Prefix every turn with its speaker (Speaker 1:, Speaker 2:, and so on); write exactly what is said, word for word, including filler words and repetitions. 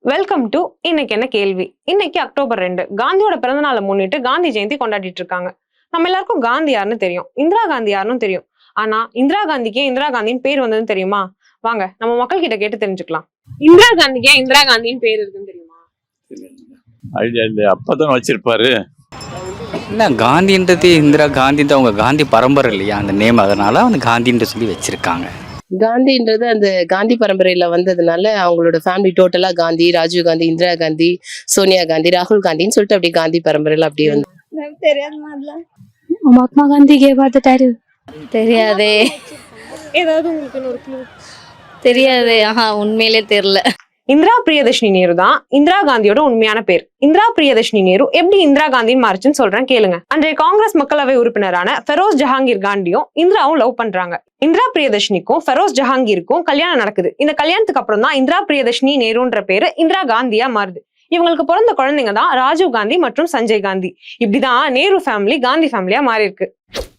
Speaker 1: Welcome to இன்னைக்கு என்ன கேள்வி. இன்னைக்கு அக்டோபர் ரெண்டு, காந்தியோட பிறந்த நாளை முன்னிட்டு காந்தி ஜெயந்தி கொண்டாடிட்டு இருக்காங்க. நம்ம எல்லாருக்கும் காந்தி யாருன்னு தெரியும், இந்திரா காந்தி யாருன்னு தெரியும். ஆனா இந்திரா காந்திக்கே இந்திரா காந்தின்னு பேர் வந்ததுன்னு தெரியுமா? வாங்க நம்ம மக்கள் கிட்ட கேட்டு தெரிஞ்சுக்கலாம். இந்திரா காந்திக்கே இந்திரா காந்தின்னு பேர் இருக்குன்னு தெரியுமா?
Speaker 2: ஐடியா இல்லை, அப்பதான் வச்சிருப்பாரு.
Speaker 3: இல்லை, காந்தின்றது இந்திரா காந்தி தான், அவங்க காந்தி பரம்பரை இல்லையா அந்த நேம், அதனால அவங்க காந்தின்ற சொல்லி வச்சிருக்காங்க.
Speaker 4: காந்தின்றது அந்த காந்தி பரம்பரையில வந்ததுனால அவங்களோட ஃபேமிலி டோட்டலா காந்தி, ராஜீவ் காந்தி, இந்திரா காந்தி, சோனியா காந்தி, ராகுல் காந்தின்னு சொல்லிட்டு அப்படியே காந்தி பரம்பரையில அப்படியே வந்து.
Speaker 5: மகாத்மா காந்தி பார்த்துட்டாரு. தெரியாதே.
Speaker 1: ஏதாவது உங்களுக்கு ஒரு க்ளூ
Speaker 5: தெரியாதே. ஆஹா, உண்மையிலே தெரியல.
Speaker 1: இந்திரா பிரியதர்ஷினி நேரு தான் இந்திரா காந்தியோட உண்மையான பேர். இந்திரா பிரியதர்ஷினி நேரு எப்படி இந்திரா காந்தின்னு மாறுச்சுன்னு சொல்றேன் கேளுங்க. அன்றைய காங்கிரஸ் மக்களவை உறுப்பினரான ஃபெரோஸ் ஜஹாங்கீர் காந்தியும் இந்திராவும் லவ் பண்றாங்க. இந்திரா பிரியதர்ஷினிக்கும் ஃபெரோஸ் ஜஹாங்கீருக்கும் கல்யாணம் நடக்குது. இந்த கல்யாணத்துக்கு அப்புறம் தான் இந்திரா பிரியதர்ஷினி நேருன்ற பேரு இந்திரா காந்தியா மாறுது. இவங்களுக்கு பிறந்த குழந்தைங்க தான் ராஜீவ் காந்தி மற்றும் சஞ்சய் காந்தி. இப்படிதான் நேரு ஃபேமிலி காந்தி ஃபேமிலியா மாறி இருக்கு.